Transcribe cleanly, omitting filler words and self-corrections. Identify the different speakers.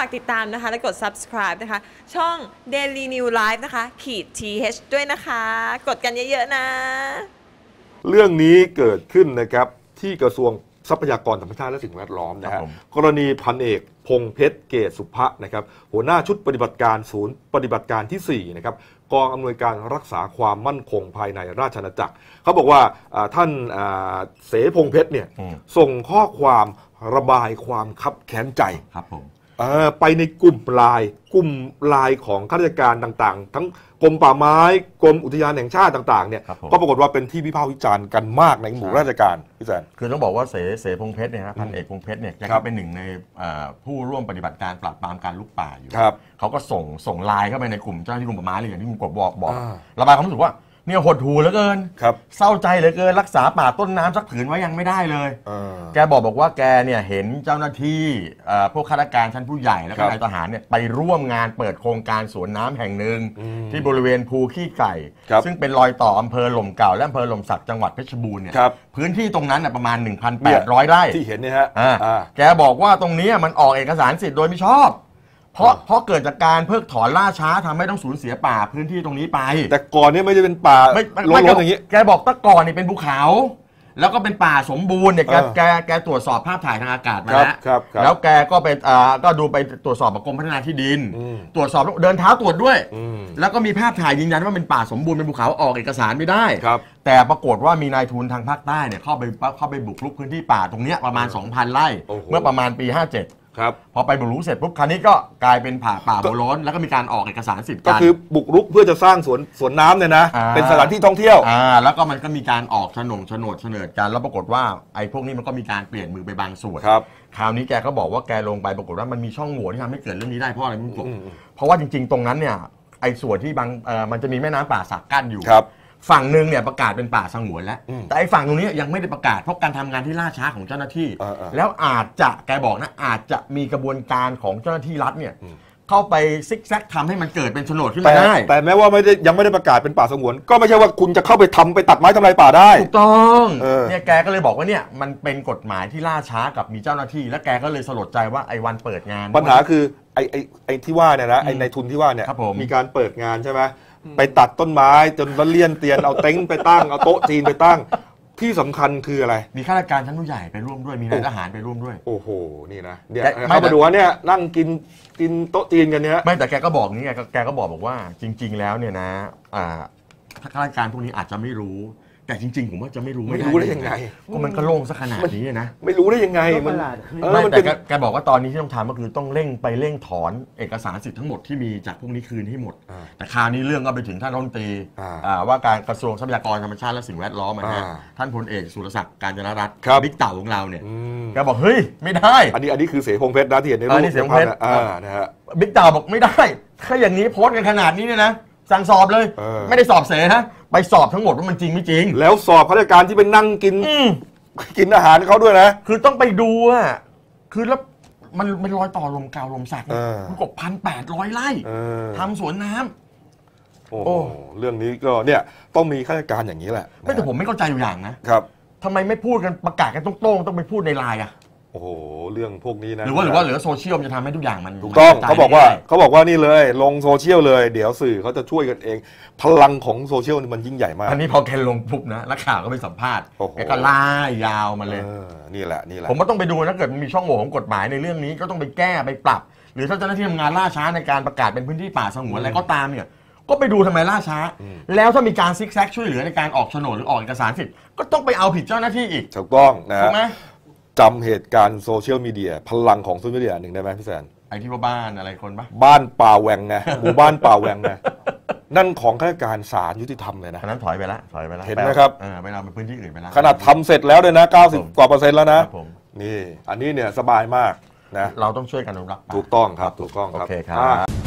Speaker 1: ากติดตามนะคะและกด subscribe นะคะช่อง Daily New Life นะคะ-th ด้วยนะคะกดกันเยอะๆนะ
Speaker 2: เรื่องนี้เกิดขึ้นนะครับที่กระทรวงทรัพยากรธรรมชาติและสิ่งแวดล้อมนะฮะกรณีพันเอกพงษ์เพชรเกศสุภะนะครับหัวหน้าชุดปฏิบัติการศูนย์ปฏิบัติการที่4นะครับกองอำนวยการรักษาความมั่นคงภายในราชอาณาจักรเขาบอกว่าท่านเสพงษ์เพชรเนี่ยส่งข้อความระบายความคับแค้นใจ
Speaker 3: ครับผม
Speaker 2: ไปในกลุ่มไลน์ของข้าราชการต่างๆทั้งกรมป่าไม้กรมอุทยานแห่งชาติต่างๆเนี่ยก็ปรากฏว่าเป็นที่วิพากษ์วิจารณ์กันมากในหมู่ราชการพี่แซน
Speaker 3: คือต้องบอกว่าเสพงษ์เพชรเนี่ยพันเอกพงษ์เพชรเนี่ยแกก็เป็นหนึ่งในผู้ร่วมปฏิบัติการปราบปรามการลุกป่าอยู่เขาก็ส่งไลน์เข้าไปในกลุ่มเจ้าหน้าที่กรมป่าไม้เลยอย่างที่คุณกบบอกระบายความรู้สึกว่าเนี่ยหดหู่เหลือเกินเศร้าใจเหลือเกินรักษาป่าต้นน้ำสักผืนไว้ยังไม่ได้เลยแกบอกว่าแกเนี่ยเห็นเจ้าหน้าที่พวกข้าราชการชั้นผู้ใหญ่แล้วก็นายทหารเนี่ยไปร่วมงานเปิดโครงการสวนน้ำแห่งหนึ่งที่บริเวณภูขี้ไก่ซึ่งเป็นรอยต่ออำเภอหล่มเก่าและอำเภอหล่มสักจังหวัดเพชรบูรณ์เนี่ยพื้นที่ตรงนั้นประมาณ 1,800 ไร่
Speaker 2: ที่เห็นเนี่ยฮะ
Speaker 3: แกบอกว่าตรงนี้มันออกเอกสารสิทธิ์โดยไม่ชอบเพราะเกิดจากการเพิกถอนล่าช้าทำให้ต้องสูญเสียป่าพื้นที่ตรงนี้ไป
Speaker 2: แต่ก่อนนี้ไม่ได้เป็นป่าล้นๆอย่างนี้
Speaker 3: แกบอกตะก่อนนี่เป็นภูเขาแล้วก็เป็นป่าสมบูรณ์เนี่ยแกตรวจสอบภาพถ่ายทางอากาศมาแล้วแกก็ไปก็ดูไปตรวจสอบกับกรมพัฒนาที่ดินตรวจสอบเดินเท้าตรวจด้วยแล้วก็มีภาพถ่ายยืนยันว่าเป็นป่าสมบูรณ์เป็นภูเขาออกเอกสารไม่ได้แต่ปรากฏว่ามีนายทุนทางภาคใต้เนี่ยเข้าไปบุกรุกพื้นที่ป่าตรงนี้ประมาณ 2,000 ไร่เมื่อประมาณปี 57พอไปบุกรุกเสร็จปุ๊บคราวนี้ก็กลายเป็นป่าโบร้นแล้วก็มีการออกเอกสารสิทธิ์
Speaker 2: ก็คือบุกรุกเพื่อจะสร้างสวนน้ำเนี่ยนะเป็นสถานที่ท่องเที่ยว
Speaker 3: แล้วก็มันก็มีการออกโฉนดกันแล้วปรากฏว่าไอ้พวกนี้มันก็มีการเปลี่ยนมือไปบางส่วนคราวนี้แกก็บอกว่าแกลงไปปรากฏว่ามันมีช่องโหว่ที่ทำให้เกิดเรื่องนี้ได้เพราะอะไรไม่รู้เพราะว่าจริงๆตรงนั้นเนี่ยไอ้ส่วนที่มันจะมีแม่น้ำป่าสักกั้นอยู่ฝั่งหนึ่งเนี่ยประกาศเป็นป่าสงวนแล้วแต่ไอ้ฝั่งตรงนี้ยังไม่ได้ประกาศเพราะการทำงานที่ล่าช้าของเจ้าหน้าที่แล้วอาจจะแกบอกนะอาจจะมีกระบวนการของเจ้าหน้าที่รัฐเนี่ยเข้าไปซิกแซกทำให้มันเกิดเป็นโฉนดขึ้นมาได้
Speaker 2: แต่แม้ว่ายังไม่ได้ประกาศเป็นป่าสงวนก็ไม่ใช่ว่าคุณจะเข้าไปไปตัดไม้ทำลายป่าได้
Speaker 3: ถูกต้องเนี่ยแกก็เลยบอกว่าเนี่ยมันเป็นกฎหมายที่ล่าช้ากับมีเจ้าหน้าที่และแกก็เลยสลดใจว่าไอ้วันเปิดงาน
Speaker 2: ปัญหาคือไอ้ที่ว่าเนี่ยนะไอ้ในทุนที่ว่าเนี่ยมีการเปิดงานใช่ไหมไปตัดต้นไม้จนละเลี่ยนเตียนเอาเต็นท์ไปตั้งเอาโต๊ะจีนไปตั้งที่สำคัญคืออะไร
Speaker 3: มีข้าราชการชั้นผู้ใหญ่ไปร่วมด้วยมีนายทหารไปร่วมด้วย
Speaker 2: โอ้โหนี่นะเดี๋ยวเข้ามาดูว่าเนี่ยนั่งกินโต๊ะจีนกันเนี่ย
Speaker 3: ไม่แต่แกก็บอกนี่ไงแกก็บอกว่าจริงๆแล้วเนี่ยนะข้าราชการพวกนี้อาจจะไม่รู้แต่จริงๆผมว่าจะไม่รู้
Speaker 2: ได้ยังไง
Speaker 3: ก็มันก็โล่งซะขนาดนี้นะ
Speaker 2: ไม่รู้ได้ยังไง
Speaker 3: มันแต่แกบอกว่าตอนนี้ที่ต้องทำก็คือต้องเร่งถอนเอกสารสิทธิ์ทั้งหมดที่มีจากพวกนี้คืนให้หมดแต่คราวนี้เรื่องก็ไปถึงท่านรัฐมนตรีว่าการกระทรวงทรัพยากรธรรมชาติและสิ่งแวดล้อมนะท่านพลเอกสุรศักดิ์การจนรัตน์บิ๊กเต่าของเราเนี่ยแกบอกเฮ้ยไม่ได้
Speaker 2: อันนี้คือเสพงษ์เพชรนะที่เห็นในรูป
Speaker 3: เสพงษ์เพชรนะฮะบิ๊กเต่าบอกไม่ได้ถ้าอย่างนี้โพสต์กันขนาดนี้เนี่ยนะสั่งสอบเลยไม่ได้สอบเสนะไปสอบทั้งหมดว่ามันจริงไม่จริง
Speaker 2: แล้วสอบข้าราชการที่ไปนั่งกินอาหารเขาด้วยนะ
Speaker 3: คือต้องไปดูอ่ะคือแล้วมันรอยต่อลมเก่าลมสักมันกบ1,800 ไร่ทำสวนน้ำ
Speaker 2: โอ้เรื่องนี้ก็เนี่ยต้องมีข้าราชการอย่างนี้แหละ
Speaker 3: ไม่แต่ผมไม่เข้าใจอยู่อย่างนะครับทำไมไม่พูดกันประกาศกันตรงๆต้องไปพูดในไลน์อ่ะ
Speaker 2: โอ้โหเรื่องพวกนี้นะ
Speaker 3: หรือว่าโซเชียลจะทำให้ทุกอย่างมัน
Speaker 2: ถูกต้องเขาบอกว่านี่เลยลงโซเชียลเลยเดี๋ยวสื่อเขาจะช่วยกันเองพลังของโซเชียลมันยิ่งใหญ่มาก
Speaker 3: อันนี้พอแกลงปุ๊บนะนักข่าวก็ไปสัมภาษณ์แกก็ล่ายาวมาเลย
Speaker 2: นี่แหละ
Speaker 3: ผมก็ต้องไปดูนะเกิดมันมีช่องโหว่ของกฎหมายในเรื่องนี้ก็ต้องไปแก้ไปปรับหรือถ้าเจ้าหน้าที่ทำงานล่าช้าในการประกาศเป็นพื้นที่ป่าสงวนอะไรก็ตามเนี่ยก็ไปดูทำไมล่าช้าแล้วถ้ามีการซิกแซกช่วยเหลือในการออกโฉนดหรือออกเอกสารสิทธิ์ก็ต้องไปเอาผิดเจ้าหน้าที่อีก
Speaker 2: ถูกต้องนะถูกไหมจำเหตุการณ์โซเชียลมีเดียพลังของโซเชียลมีเดียหนึ่งได้ไหมพี่แซน
Speaker 3: ไอ้ที่ว่าบ้านอะไรคนปะ
Speaker 2: บ้านป่าแหวงไงหมู่บ้านป่าแหวงไงนั่นของข้าราชการศาลยุติธรรมเลยนะ
Speaker 3: นั้นถอยไปแล้ว
Speaker 2: เห็นไหมครับ
Speaker 3: ไปเราไปพื้นที่อื่นไปแล้ว
Speaker 2: ขนาดทำเสร็จแล้วเลยนะ90%กว่าแล้วนะนี่อันนี้เนี่ยสบายมากนะ
Speaker 3: เราต้องช่วยกันอนุรักษ์
Speaker 2: ถูกต้องครับถูกต้องครับ